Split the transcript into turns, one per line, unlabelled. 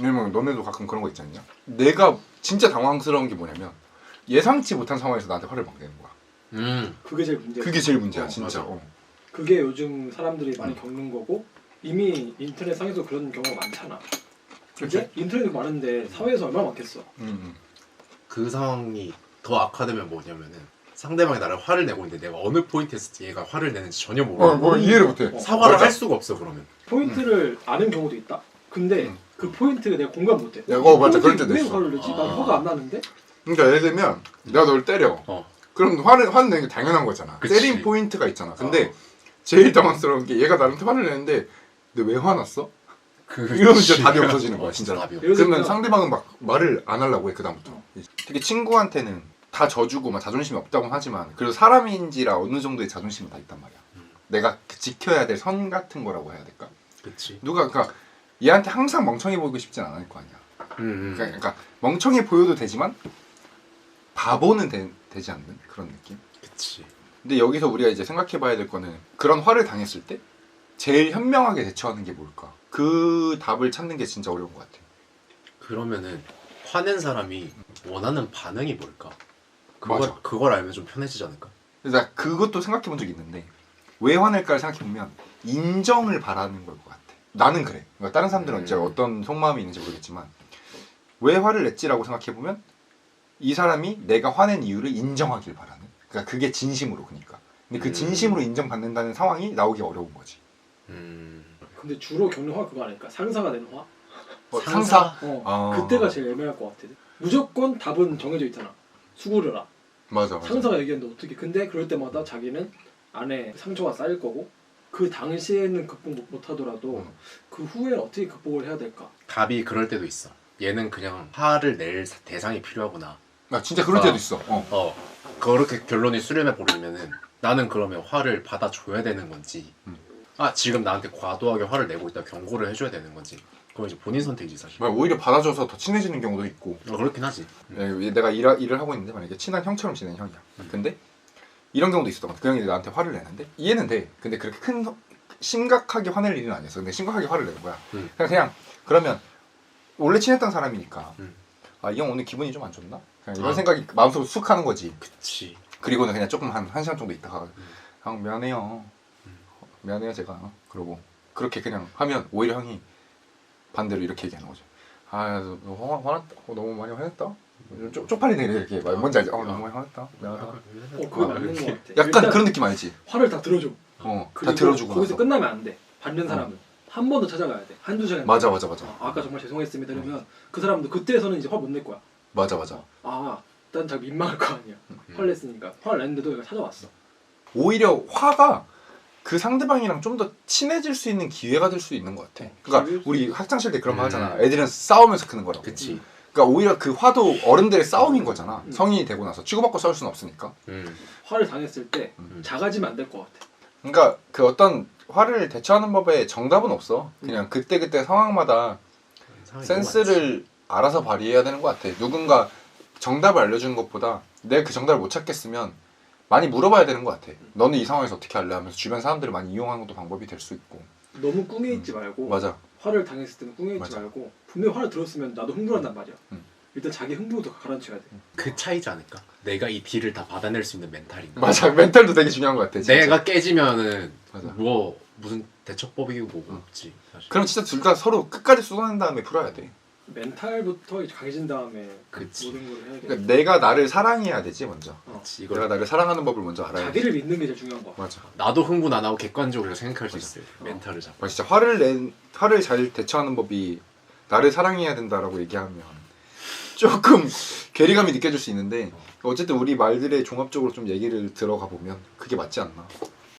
왜냐면 너네도 가끔 그런 거 있지 않냐? 내가 진짜 당황스러운 게 뭐냐면 예상치 못한 상황에서 나한테 화를 막 내는 거야.
그게 제일 문제야.
그게 제일 문제야 진짜.
맞아.
그게 요즘 사람들이 많이 겪는 거고 이미 인터넷 상에서 그런 경우가 많잖아. 근데 인터넷이 많은데 사회에서 얼마나 많겠어.
그 상황이 더 악화되면 뭐냐면은 상대방이 나를 화를 내고 있는데 내가 어느 포인트에서 얘가 화를 내는지 전혀 모르고
뭐 이해를 못해.
사과를
맞아.
할 수가 없어 그러면.
포인트를 아는 경우도 있다. 근데 그 포인트가 내가 공감 못해.
맞아. 그럴 때도 있어.
화를 내지? 난 화가 안 나는데?
그러니까 예를 들면 내가 널 때려. 그럼 화를 내는 게 당연한 거잖아.
그치.
때린 포인트가 있잖아. 근데 제일 당황스러운 게 얘가 나한테 화를 내는데 근데 왜 화났어? 이러면 진짜 답이 없어지는 거야 진짜. 그러면 상대방은 막 말을 안 하려고 해 그다음부터. 되게 친구한테는 다 져주고 막 자존심이 없다고 하지만 그래도 사람인지라 어느 정도의 자존심은 다 있단 말이야. 내가 지켜야 될 선 같은 거라고 해야 될까?
그치.
누가 그러니까 얘한테 항상 멍청해 보이고 싶진 않을 거 아니야. 그러니까 멍청해 보여도 되지만 바보는 되지 않는 그런 느낌.
그치.
근데 여기서 우리가 이제 생각해봐야 될 거는 그런 화를 당했을 때 제일 현명하게 대처하는 게 뭘까? 그 답을 찾는 게 진짜 어려운 것 같아.
그러면은 화낸 사람이 원하는 반응이 뭘까?
맞아.
그걸 알면 좀 편해지지 않을까?
그래서 나 그것도 생각해 본 적이 있는데 왜 화낼까를 생각해 보면 인정을 바라는 걸 것 같아. 나는 그래. 그러니까 다른 사람들은 진짜 어떤 속마음이 있는지 모르겠지만 왜 화를 냈지라고 생각해 보면 이 사람이 내가 화낸 이유를 인정하길 바라는. 그러니까 그게 진심으로 그러니까. 근데 그 진심으로 인정받는다는 상황이 나오기 어려운 거지.
근데 주로 겪는 화가 그거 아닐까? 상사가 내는 화?
상사?
그때가 제일 애매할 것 같아. 무조건 답은 정해져 있잖아. 수고를
맞아.
상사가 얘기했는데 어떻게. 근데 그럴 때마다 자기는 안에 상처가 쌓일 거고 그 당시에는 극복 못 하더라도 그 후에는 어떻게 극복을 해야 될까?
답이 그럴 때도 있어. 얘는 그냥 화를 낼 대상이 필요하구나.
나 진짜 그럴 때도 있어.
그렇게 결론이 수렴해 버리면은 나는 그러면 화를 받아줘야 되는 건지 지금 나한테 과도하게 화를 내고 있다 경고를 해줘야 되는 건지 그건 이제 본인 선택이지 사실.
오히려 받아줘서 더 친해지는 경우도 있고.
그렇긴 하지.
내가 일을 하고 있는데 만약에 친한 형처럼 지내는 형이야. 근데 이런 경우도 있었던 것 같아. 그 형이 나한테 화를 내는데 이해는 돼. 근데 그렇게 심각하게 화낼 일은 아니었어. 근데 심각하게 화를 내는 거야. 그냥 그러면 원래 친했던 사람이니까 이 형 오늘 기분이 좀 안 좋나? 그냥 이런 생각이 마음속으로 쑥 하는 거지.
그치.
그리고는 그냥 조금 한 시간 정도 있다가 형 미안해요. 미안해요 제가. 그러고 그렇게 그냥 하면 오히려 형이 반대로 이렇게 얘기하는 거죠. 너 화났다. 너무 많이 화냈다. 쪽팔리네 이렇게. 뭔지 알지? 너무 많이 화냈다. 미안하다.
그거 맞는 것 같아.
약간 그런 느낌 알지?
화를 다 들어줘.
다 들어주고
거기서
나서.
끝나면 안 돼. 받는 사람은 한 번 더 찾아가야 돼. 한두 시간.
맞아.
아까 정말 죄송했습니다. 이러면 그 사람도 그때서는 이제 화 못 낼 거야.
맞아.
난 자기 민망할 거 아니야. 화를 냈으니까. 화를 냈는데도 얘가 찾아왔어.
오히려 화가 그 상대방이랑 좀 더 친해질 수 있는 기회가 될 수 있는 것 같아. 그러니까 우리 학창시절 때 그런 거 하잖아. 애들은 싸우면서 크는 거라고.
그치.
그러니까 오히려 그 화도 어른들의 싸움인 거잖아. 성인이 되고 나서 치고받고 싸울 수는 없으니까.
화를 당했을 때 작아지면 안 될 것 같아.
그러니까 그 어떤 화를 대처하는 법에 정답은 없어. 그냥 그때 상황마다 센스를 알아서 발휘해야 되는 것 같아. 누군가 정답을 알려주는 것보다 내가 그 정답을 못 찾겠으면 많이 물어봐야 되는 것 같아. 너는 이 상황에서 어떻게 할래? 하면서 주변 사람들을 많이 이용하는 것도 방법이 될 수 있고.
너무 꿍해 있지 말고.
맞아.
화를 당했을 때는 꿍해 있지
맞아.
말고 분명히 화를 들었으면 나도 흥분한단 말이야. 일단 자기 흥분부터 가라앉혀야 돼.
그 차이지 않을까? 내가 이 딜을 다 받아낼 수 있는 멘탈인가?
맞아. 멘탈도 되게 중요한 것 같아. 진짜.
내가 깨지면은
맞아.
무슨 대처법이고 뭐고 없지 사실.
그럼 진짜 둘 다 서로 끝까지 쏟아낸 다음에 풀어야 돼.
멘탈부터 이제 강해진 다음에
그치.
모든 걸 해야 돼.
그러니까 내가 나를 사랑해야 되지 먼저.
그치,
내가 나를 사랑하는 법을 먼저 알아야 돼.
자기를 믿는 게 제일 중요한 거야.
맞아.
나도 흥분 안 하고 객관적으로 생각할 수 있어요. 멘탈을 잡고.
진짜 화를 잘 대처하는 법이 나를 사랑해야 된다라고 얘기하면 조금 괴리감이 느껴질 수 있는데 어쨌든 우리 말들의 종합적으로 좀 얘기를 들어가 보면 그게 맞지 않나.